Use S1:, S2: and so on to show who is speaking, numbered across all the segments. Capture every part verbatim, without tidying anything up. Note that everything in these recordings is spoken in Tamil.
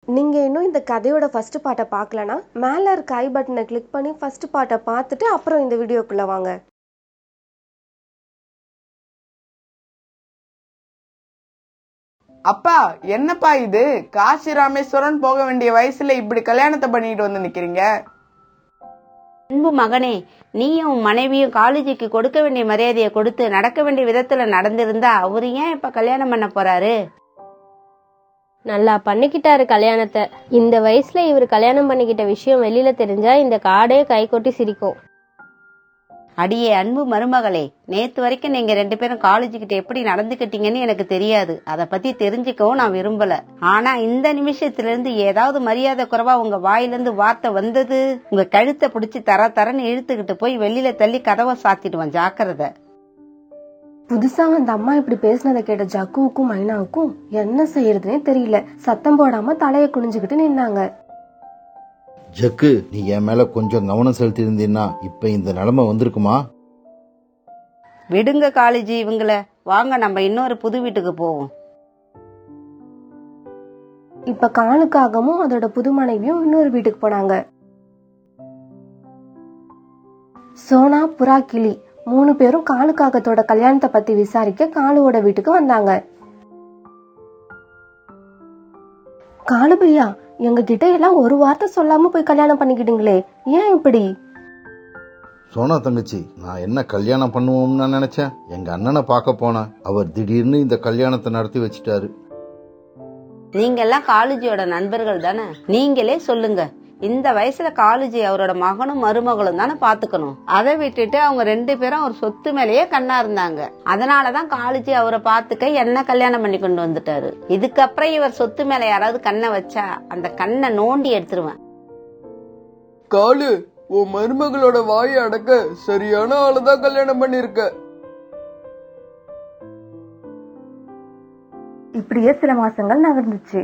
S1: நீங்கள் இன்னும் இந்த கதையோட ஃபஸ்ட்டு பார்ட்டை பார்க்கலனா மேலே இருக்க ஐ பட்டனை கிளிக் பண்ணி ஃபஸ்ட்டு பார்ட்டை பார்த்துட்டு அப்புறம் இந்த வீடியோக்குள்ளே வாங்க.
S2: அப்பா, என்னப்பா இது? காசி ராமேஸ்வரம் போக வேண்டிய வயசுல இப்படி கல்யாணத்தை பண்ணிட்டு வந்து நிக்கிறீங்க.
S3: அன்பு மகனே, நீயும் உன் மனைவியும் காலேஜுக்கு கொடுக்க வேண்டிய மரியாதையை கொடுத்து நடக்க வேண்டிய விதத்துல நடந்திருந்தா அவரு ஏன் இப்ப கல்யாணம் பண்ண போறாரு?
S4: நல்லா பண்ணிக்கிட்டாரு கல்யாணத்தை. இந்த வயசுல இவர் கல்யாணம் பண்ணிக்கிட்ட விஷயம் வெளியில தெரிஞ்சா இந்த காடே கை கொட்டி சிரிக்கும்.
S3: அடியே அன்பு மருமகளே, நேத்து வரைக்கும் நீங்க ரெண்டு பேரும் காலேஜ் கிட்ட எப்படி நடந்துக்கிட்டீங்கன்னு எனக்கு தெரியாது. அத பத்தி தெரிஞ்சுக்கவும் நான் விரும்பல. ஆனா இந்த நிமிஷத்துல இருந்து ஏதாவது மரியாதை குறைவா உங்க வாயிலிருந்து வார்த்தை வந்தது, உங்க கழுத்தை பிடிச்சி தர தரன்னு இழுத்துக்கிட்டு போய் வெளியில தள்ளி கதவை சாத்திடுவேன், ஜாக்கிரதை.
S1: புதுசா அந்த அம்மா இப்படி பேசினதை கேட்ட ஜக்குவுக்கும் மைனாவுக்கும் என்ன செய்யறதுன்னே தெரியல. சத்தம் போடாம தலையை குனிஞ்சுக்கிட்டு நின்னாங்க.
S5: ஜக்கு, நீ என் மேல கொஞ்சம் கவனம் செலுத்தி இருந்தீன்னா இப்ப இந்த நிலைமை வந்திருக்குமா?
S3: விடுங்க காலேஜ் இவங்கள, வாங்க நம்ம இன்னொரு புது வீட்டுக்கு போவோம்.
S1: இப்ப காலுக்காகவும் அதோட புது மனைவியும் இன்னொரு வீட்டுக்கு போனாங்க. சோனா, புறா, கிளி மூணு பேரும் காலுக்காகத்தோட கல்யாணத்தை பத்தி விசாரிக்க காலுவோட வீட்டுக்கு வந்தாங்க. காலு பையா, எங்க கிட்ட எல்லாம் ஒரு வார்த்தை சொல்லாம போய் கல்யாணம் பண்ணிக்கிட்டீங்களே, ஏன் இப்படி?
S5: சோனா தங்கச்சி, நான் என்ன கல்யாணம் பண்ணுவோம்னு நினைச்சேன். எங்க அண்ணனை பார்க்க போனேன். அவர் திடீர்னு இந்த கல்யாணத்தை நடத்தி வச்சிட்டாரு.
S3: நீங்க எல்லாம் காலேஜோட நண்பர்கள் தானே, நீங்களே சொல்லுங்க. இந்த வயசுல காலேஜ் அவரோட மகனும் மருமகளும் தானே பாத்துக்கணும். அதை விட்டுட்டு அவங்க ரெண்டு பேரும் அவர் சொத்து மேலேயே கண்ணா இருந்தாங்க. அதனாலதான் காலேஜ் அவரை பாத்துக்க என்ன கல்யாணம் பண்ணி கொண்டு வந்துட்டாரு. இதுக்கப்புறம் இவர் சொத்து மேல யாராவது கண்ணை வச்சா அந்த கண்ணை நோண்டி எடுத்துருவேன்.
S2: காலு, உன் மருமகளோட வாயை அடக்க சரியான ஆளுதான் கல்யாணம் பண்ணிருக்க.
S1: இப்படியே சில மாசங்கள் நகர்ந்துச்சு.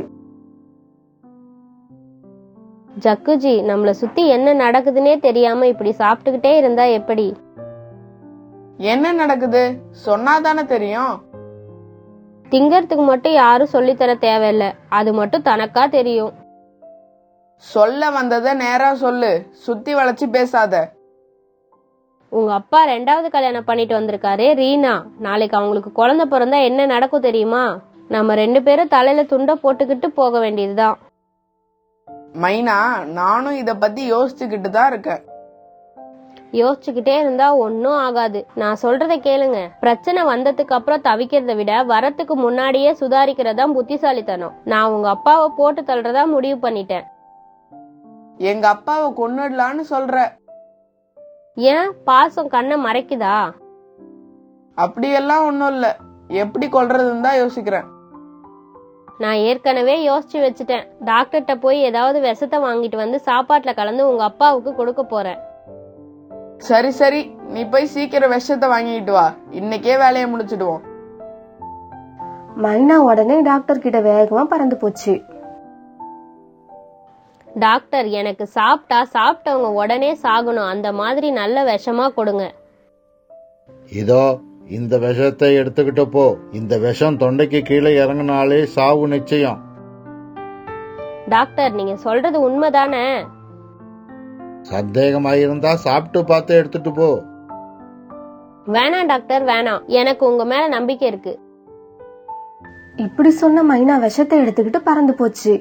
S4: ஜக்குஜி, நம்மள சுத்தி என்ன நடக்குதுன்னே தெரியாம இப்படி சாப்பிட்டுக்கிட்டே இருந்தா எப்படி?
S2: என்ன நடக்குது சொன்னாதானே தெரியும்.
S4: திங்கறதுக்கு மட்டும் யாரும் சொல்லித்தர தேவையில்ல, அது மட்டும் தனக்கா தெரியும்.
S2: சொல்ல வந்தத நேரா சொல்லு, சுத்தி வளைச்சு பேசாத.
S4: உங்க அப்பா ரெண்டாவது கல்யாணம் பண்ணிட்டு வந்திருக்காரு ரீனா. நாளைக்கு அவங்களுக்கு குழந்தை பிறந்தா என்ன நடக்கும் தெரியுமா? நம்ம ரெண்டு பேரும் தலையில துண்டை போட்டுக்கிட்டு போக வேண்டியதுதான்.
S2: மைனா, நானும் இத பத்தி யோசிச்சுக்கிட்டு தான் இருக்கேன்.
S4: யோசிச்சுக்கிட்டே இருந்தா ஒன்னும் ஆகாது. நான் சொல்றத கேளுங்க. பிரச்சனை வந்ததுக்கு அப்புறம் தவிக்கிறத விட வரத்துக்கு முன்னாடியே சுதாரிக்கிறதா புத்திசாலித்தனம். நான் உங்க அப்பாவை போட்டு தள்ளுறதா முடிவு பண்ணிட்டேன்.
S2: எங்க அப்பாவை கொன்னுடலான்னு சொல்ற?
S4: ஏன், பாசம் கண்ணை மறைக்குதா?
S2: அப்படியெல்லாம் ஒன்னும் இல்ல, எப்படி கொல்றதுன்னு தான் யோசிக்கிறேன்.
S4: நான் ஏற்கனவே யோசிச்சு வச்சுட்டேன். டாக்டர்கிட்ட போய் ஏதாவது விஷத்தை வாங்கிட்டு வந்து சாப்பாட்டுல கலந்து உங்க அப்பாவுக்கு கொடுக்க போறேன்.
S2: சரி சரி, நீ போய் சீக்கிரம் விஷத்தை வாங்கிட்டு வா, இன்னைக்கே வேலையை முடிச்சிடுவோம்.
S1: மைனா உடனே டாக்டர் கிட்ட வேகமா பறந்து போச்சு.
S4: டாக்டர், எனக்கு சாப்பிட்டா சாப்பிட்டவங்க உடனே சாகணும், அந்த மாதிரி நல்ல விஷமா கொடுங்க.
S5: இதோ இந்த விஷத்தை எடுத்துக்கிட்ட போ. இந்த விஷம் தொண்டைக்கு கீழே இறங்கினாலே சாவு நிச்சயம்.
S4: டாக்டர், நீங்க சொல்றது உண்மைதானே?
S5: சந்தேகமாயிருந்தா சாப்பிட்டு பார்த்து எடுத்துட்டு போ.
S4: வேணாம் டாக்டர், வேணாம். எனக்கு உங்க மேல நம்பிக்கை இருக்கு.
S1: இப்படி சொன்ன மைனா விஷத்தை எடுத்துக்கிட்டு பறந்து போச்சு.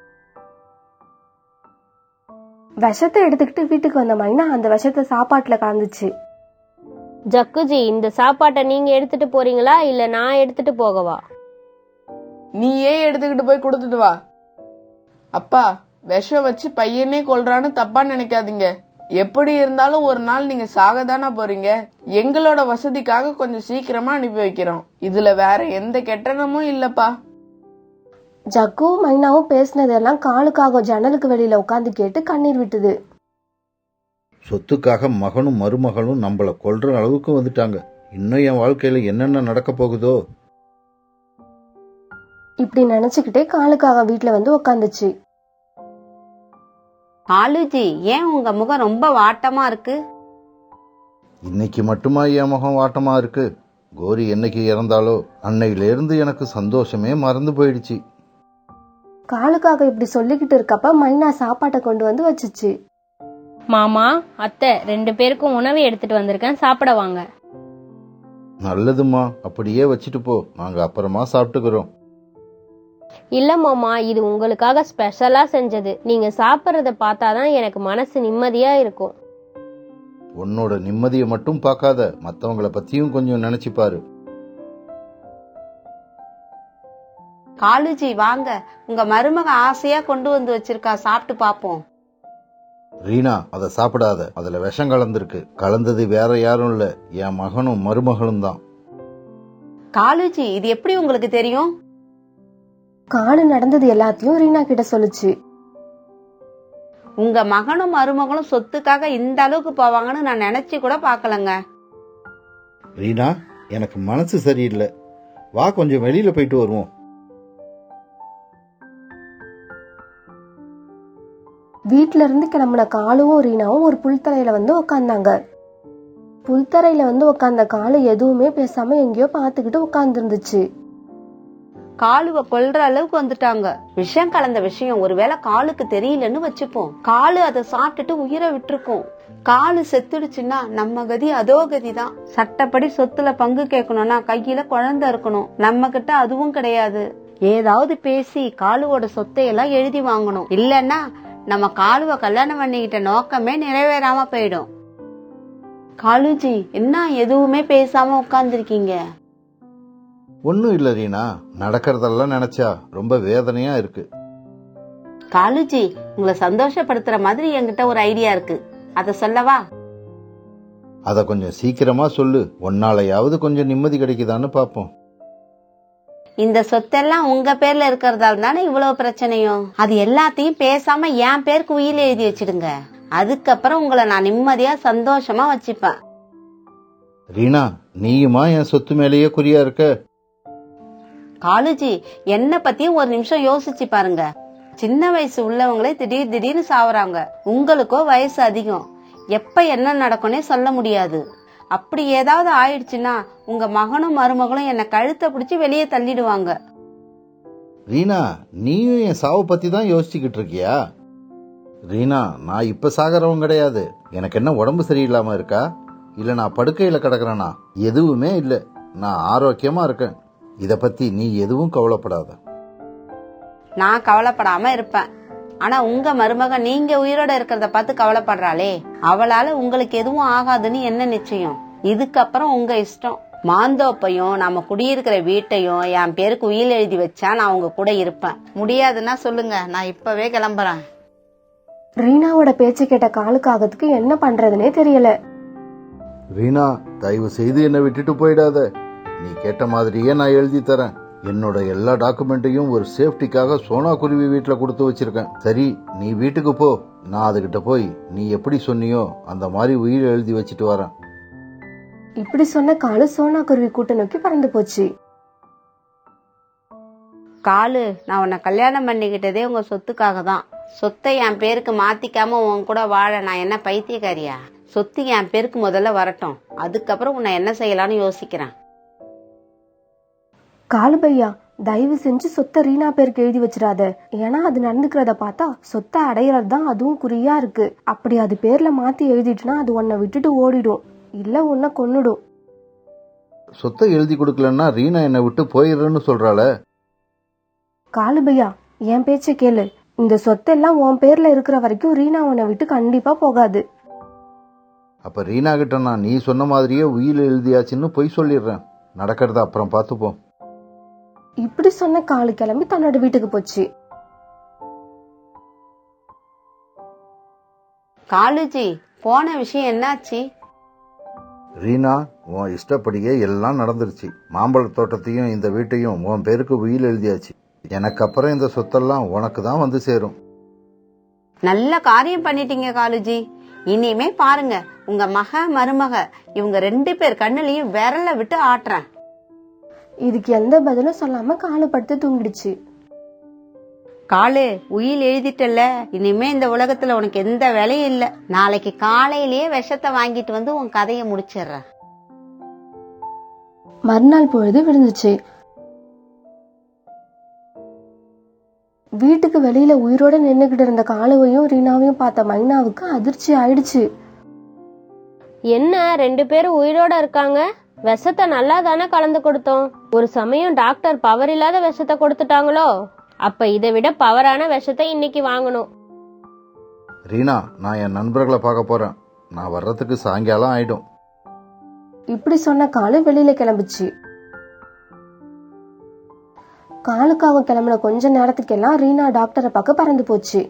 S1: விஷத்தை எடுத்துக்கிட்டு வீட்டுக்கு வந்த மைனா அந்த விஷத்தை சாப்பாட்டுல கலந்துச்சு.
S4: ஜக்குஜி, இந்த சாப்பாட்டை நீங்க எடுத்துட்டு போறீங்களா இல்ல நான் எடுத்துட்டு போகவா?
S2: நீயே எடுத்துக்கிட்டு போய் கொடுத்துட்டு வா. அப்பா, விஷம் வச்சு பையனே கொல்றான்னு தப்பா நினைக்காதீங்க. எப்படி இருந்தாலும் ஒரு நாள் நீங்க சாகதானா போறீங்க. எங்களோட வசதிக்காக கொஞ்சம் சீக்கிரமா அனுப்பி வைக்கிறோம். இதுல வேற எந்த கெட்டனமும் இல்லப்பா.
S1: ஜக்குவும் மைனாவும் பேசினதெல்லாம் காலுக்காக ஜன்னலுக்கு வெளியில உட்காந்து கேட்டு கண்ணீர் விட்டுது.
S5: சொத்துக்காக மகனும் மருமகளும் நம்மள கொல்ற அளவுக்கு வந்துட்டாங்க. இன்னும் என் வாழ்க்கையில என்னென்ன நடக்க போகுதோ?
S1: இப்படி நினைச்சுக்கிட்டே காலுக்காக வீட்டுல வந்து உட்காந்துச்சு.
S3: காலுஜி, ஏன் உங்க முகம் ரொம்ப வாட்டமா இருக்கு?
S5: இன்னைக்கு மட்டுமா என் முகம் வாட்டமா இருக்கு? கோரி என்னைக்கு இறந்தாலோ அன்னையில இருந்து எனக்கு சந்தோஷமே மறந்து போயிடுச்சு.
S1: காலுக்காக இப்படி சொல்லிக்கிட்டு இருக்கப்ப மைனா சாப்பாட்டை கொண்டு வந்து வச்சுச்சு.
S4: மாமா, அத்தை, ரெண்டு பேருக்கும் உணவு எடுத்துட்டு வந்திருக்கேன், சாப்பிட வாங்க.
S5: நல்லதுமா, அப்படியே வச்சுட்டு போ, நாங்க அப்புறமா சாப்பிட்டுக்கிறோம்.
S4: இல்ல மாமா, இது உங்களுக்காக ஸ்பெஷலா செஞ்சது. நீங்க சாப்பிடுறத பார்த்தாதான் எனக்கு மனசு நிம்மதியா இருக்கும்.
S5: உன்னோட நிம்மதியை மட்டும் பார்க்காத, மத்தவங்கள பத்தியும் கொஞ்சம் நினைச்சு பாரு.
S3: காலுஜி வாங்க, உங்க மருமக ஆசையா கொண்டு வந்து வச்சிருக்கா, சாப்பிட்டு பாப்போம்.
S5: ரீனா, அதை சாப்பிடாத, அதுல விஷம் கலந்துருக்கு. கலந்தது வேற யாரும் இல்ல, என் மகனும் மருமகளும் தான்.
S3: காலுஜி, இது எப்படி உங்களுக்கு தெரியும்?
S1: காலு நடந்தது எல்லாத்தையும் ரீனா கிட்ட சொல்லுச்சு.
S3: உங்க மகனும் மருமகளும் சொத்துக்காக இந்த அளவுக்கு போவாங்கன்னு நான் நினைச்சு கூட பாக்கலங்க.
S5: ரீனா, எனக்கு மனசு சரியில்லை, வா கொஞ்சம் வெளியில போயிட்டு வருவோம்.
S1: வீட்ல இருந்து கிளம்புன காலுவும் ரீனாவும் ஒரு புல்தரையில வந்து உக்காந்தாங்க. புல்தரையில வந்து உக்காந்த காலு எதுவுமே பேசாம எங்கேயோ பாத்துக்கிட்டு உட்கார்ந்து இருந்துச்சு.
S3: காலுவ கொல்ற அளவுக்கு வந்துட்டாங்க. விஷம் கலந்த விஷயம் ஒருவேளை காலுக்கு தெரியலன்னு வச்சுப்போம். காலு அதை சாப்பிட்டுட்டு உயிரை விட்டுருக்கும். காலு செத்துடுச்சுன்னா நம்ம கதி அதோ கதிதான். சட்டப்படி சொத்துல பங்கு கேட்கணும்னா கையில குழந்தை இருக்கணும். நம்ம கிட்ட அதுவும் கிடையாது. ஏதாவது பேசி காலுவோட சொத்தை எல்லாம் எழுதி வாங்கணும். இல்லன்னா நம்ம காலுவ கல்யாணம் பண்ணிக்கிட்ட நோக்கமே நிறைவேறாம போயிடும். காலுஜி, என்ன எதுவுமே பேசாம உட்கார்ந்துருக்கீங்க?
S5: ஒன்னும் இல்ல ரீனா, நடக்கிறதெல்லாம் நினைச்சா ரொம்ப வேதனையா இருக்கு.
S3: காலுஜி, உங்களை சந்தோஷப்படுத்துற மாதிரி என்கிட்ட ஒரு ஐடியா இருக்கு, அத சொல்லவா?
S5: அத கொஞ்சம் சீக்கிரமா சொல்லு, ஒன்னாலையாவது கொஞ்சம் நிம்மதி கிடைக்குதான்னு பாப்போம்.
S3: இந்த சொத்தெல்லாம் உங்க பேர்ல இருக்கிறதால தானே இவ்வளவு பிரச்சனையும். அது எல்லாத்தையும் பேசாம என் பேருக்கு உயிர் எழுதி வச்சிடுங்க. அதுக்கப்புறம் உங்களை நான் நிம்மதியா சந்தோஷமா வச்சுப்பேன்.
S5: ரீனா, நீயுமா என் சொத்து மேலேயே குறியா இருக்க?
S3: காலுஜி, என்ன பத்தியும் ஒரு நிமிஷம் யோசிச்சு பாருங்க. சின்ன வயசு உள்ளவங்களே திடீர் திடீர்னு சாவறாங்க. உங்களுக்கோ வயசு அதிகம், எப்ப என்ன நடக்கும்னே சொல்ல முடியாது. அப்படி ஏதாவது ஆயிடுச்சுன்னா உங்க மகனும் மருமகளும் என்ன கழுத்தை பிடிச்சு வெளியே தள்ளிடுவாங்க.
S5: ரீனா, நீயும் என் சாவை பத்தி தான் யோசிச்சுக்கிட்டு இருக்கியா? ரீனா, நான் இப்ப சாகரவும் கிடையாது. எனக்கு என்ன உடம்பு சரியில்லாம இருக்கா, இல்ல நான் படுக்கையில கிடக்குறேனா? எதுவுமே இல்ல, நான் ஆரோக்கியமா இருக்கேன். இத பத்தி நீ எதுவும் கவலைப்படாத.
S3: நான் கவலைப்படாம இருப்பேன். ஆனா உங்க மருமக நீங்க உயிரோட இருக்கிறத பார்த்து கவலைப்படுறாளே, அவளால உங்களுக்கு எதுவும் ஆகாதுன்னு என்ன நிச்சயம்? இதுக்கப்புறம் உங்க இஷ்டம். மாந்தோப்பையும் நம்ம குடியிருக்கிற வீட்டையும் என் பேருக்கு உயிர் எழுதி வச்சா நான் உங்க கூட இருப்பேன். முடியாதுன்னா சொல்லுங்க, நான் இப்பவே கிளம்புறேன்.
S1: ரீனாவோட பேச்சு கேட்ட காலுக்காகத்துக்கு என்ன பண்றதுனே தெரியல.
S5: ரீனா, தயவு செய்து என்னை விட்டுட்டு போயிடாத. நீ கேட்ட மாதிரியே நான் எழுதி தரேன். என்னோட எல்லா டாக்குமெண்ட்டையும் ஒரு சேஃப்டிக்காக சோனா குருவி வீட்டுல கொடுத்து வச்சிருக்கேன். சரி, நீ வீட்டுக்கு போ, நான் அதுகிட்ட போய் நீ எப்படி சொன்னியோ அந்த மாதிரி உயிர் எழுதி வச்சிட்டு வரேன்.
S1: இப்படி சொன்ன காலு சோனா குருவி கூட்ட நோக்கி பறந்து போச்சு.
S3: காலு, நான் உன்னை கல்யாணம் பண்ணிக்கிட்டதே உங்க சொத்துக்காக தான். சொத்தை என் பேருக்கு மாத்திக்காம உன் கூட வாழ நான் என்ன பைத்தியக்காரியா? சொத்து என் பேருக்கு முதல்ல வரட்டும், அதுக்கப்புறம் உன்னை என்ன செய்யலாம்னு யோசிக்கிறேன்.
S1: காலு பையா, தயவு செஞ்சு சொத்தை ரீனா பேருக்கு எழுதி வச்சிடாத. ஏன்னா அது நடந்துக்கிறத பார்த்தா சொத்தை அடையிறது தான் அதுவும் குறியா இருக்கு. அப்படி அது பேர்ல மாத்தி எழுதிட்டுனா அது உன்னை விட்டுட்டு ஓடிடும், இல்ல உன்னை கொன்னுடும்.
S5: சொத்தை எழுதி கொடுக்கலன்னா ரீனா என்னை விட்டு போயிடுறேன்னு சொல்றாள.
S1: காலு பையா, என் பேச்ச கேளு. இந்த சொத்தெல்லாம் உன் பேர்ல இருக்கிற வரைக்கும் ரீனா உன்னை விட்டு கண்டிப்பா போகாது.
S5: அப்ப ரீனா கிட்ட நான் நீ சொன்ன மாதிரியே உயிர் எழுதியாச்சுன்னு பொய் சொல்லிடுறேன். நடக்கிறத அப்புறம் பார்த்துப்போம்.
S1: இப்படி சொன்ன காலு கிளம்பி தன்னோட வீட்டுக்கு போச்சு.
S3: காலுஜி, போன விஷயம் என்னாச்சு?
S5: ரீனா, உன் இஷ்டப்படியே எல்லாம் நடந்துருச்சு. மாம்பழ தோட்டத்தையும் இந்த வீட்டையும் உன் பேருக்கு உயிர் எழுதியாச்சு. எனக்கு அப்புறம் இந்த சொத்தெல்லாம் உனக்கு தான் வந்து சேரும்.
S3: நல்ல காரியம் பண்ணிட்டீங்க காலுஜி. இனிமே பாருங்க, உங்க மக மருமக இவங்க ரெண்டு பேர் கண்ணுலயும் விரல விட்டு ஆட்டுறேன்.
S1: இதுக்கு எந்த பதிலும் சொல்லாம காலு படுத்து தூங்கிடுச்சு.
S3: காலு, உயிர் எழுதிட்டல, இனிமே இந்த உலகத்துல உனக்கு எந்த வேலையும் இல்ல. நாளைக்கு காலையிலேயே விஷத்தை வாங்கிட்டு வந்து உன் கதையை முடிச்சிடுறேன்.
S1: மறுநாள் பொழுது விழுந்துச்சு. வீட்டுக்கு வெளியில உயிரோட நின்னுகிட்டு இருந்த காலுவையும் ரீனாவையும் பார்த்த மைனாவுக்கு அதிர்ச்சி ஆயிடுச்சு.
S4: என்ன ரெண்டு பேரும் உயிரோட இருக்காங்க? விஷத்தை நல்லா தானே கலந்து கொடுத்தோம். ஒரு சமயம் டாக்டர் பவர் இல்லாத விஷத்தை கொடுத்துட்டாங்களோ? அப்ப இதை விட பவரான விஷத்தை இன்னைக்கு வாங்கணும்.
S5: ரீனா, நான் என் நண்பர்களை பார்க்க போறேன். நான் வர்றதுக்கு சாயங்காலம் ஆயிடும்.
S1: இப்படி சொன்ன காலு வெளியில கிளம்புச்சு. காலுக்காக கிளம்பின கொஞ்ச நேரத்துக்கெல்லாம் ரீனா டாக்டரை பார்க்க பறந்து போச்சு.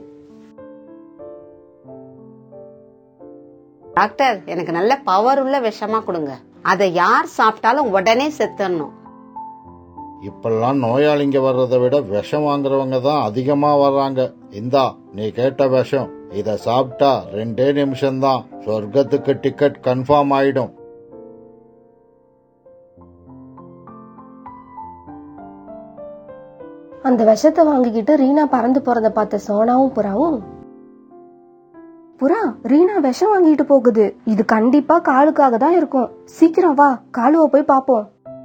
S3: டாக்டர், எனக்கு நல்ல பவர் உள்ள விஷமா கொடுங்க. அதை யார் சாப்பிட்டாலும் உடனே செத்துடணும்.
S5: இப்பெல்லாம் நோயாளிங்க வர்றதை விட விஷம் வாங்குறவங்க தான் அதிகமா வர்றாங்க. இந்தா, நீ கேட்ட விஷம். இத சாப்பிட்டா ரெண்டே நிமிஷம்தான் சொர்க்கத்துக்கு டிக்கெட் கன்ஃபார்ம் ஆயிடும்.
S1: அந்த விஷத்தை வாங்கிக்கிட்டு ரீனா பறந்து போறத பார்த்த சோனாவும் புறாவும், புறா, ரீனா விஷம் வாங்கிட்டு போகுது. இது கண்டிப்பா காலுக்காக தான் இருக்கும். சீக்கிரம் வா, காலுவ போய் பாப்போம்.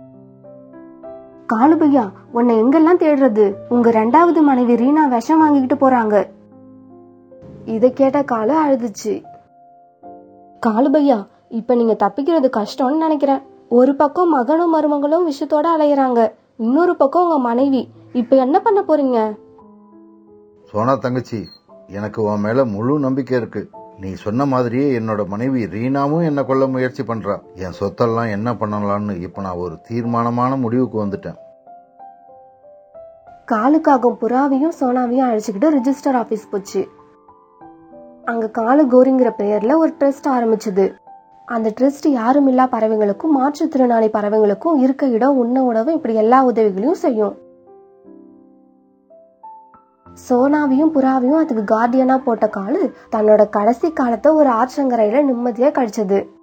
S1: காலு பையா, உன்னை எங்கெல்லாம் தேடுறது? உங்க ரெண்டாவது மனைவி ரீனா விஷம் வாங்கிக்கிட்டு போறாங்க. இத கேட்ட காலு அழுதுச்சு. காலு பையா, இப்ப நீங்க தப்பிக்கிறது கஷ்டம்னு நினைக்கிறேன். ஒரு பக்கம் மகனும் மருமகளும் விஷத்தோட அலையறாங்க, இன்னொரு பக்கம் உங்க மனைவி. இப்ப என்ன பண்ண போறீங்க?
S5: சோனா தங்கச்சி, எனக்கு உன் மேல முழு நம்பிக்கை இருக்கு. நீ சொன்ன மாதிரியே என்னோட மனைவி ரீனாவும் என்ன கொல்ல முயற்சி பண்றா. என் சொத்தெல்லாம் என்ன பண்ணலாம்னு இப்ப நான் ஒரு தீர்மானமான முடிவுக்கு வந்துட்டேன்.
S1: காலுக்காகவும் புறாவையும் சோனாவையும் அழைச்சுக்கிட்டு ரிஜிஸ்டர் ஆபீஸ் போச்சு. அங்க காலு கோரிங்கிற பெயர்ல ஒரு ட்ரஸ்ட் ஆரம்பிச்சது. அந்த ட்ரஸ்ட் யாரும் இல்லா பறவைகளுக்கும் மாற்றுத்திறனாளி பறவைகளுக்கும் இருக்க இடம், உண்ண உணவு, இப்படி எல்லா உதவிகளையும் செய்யும். சோனாவையும் புறாவையும் அதுக்கு கார்டியனா போட்ட காலு தன்னோட கடைசி காலத்தை ஒரு ஆற்றங்கரையில நிம்மதியா கழிச்சது.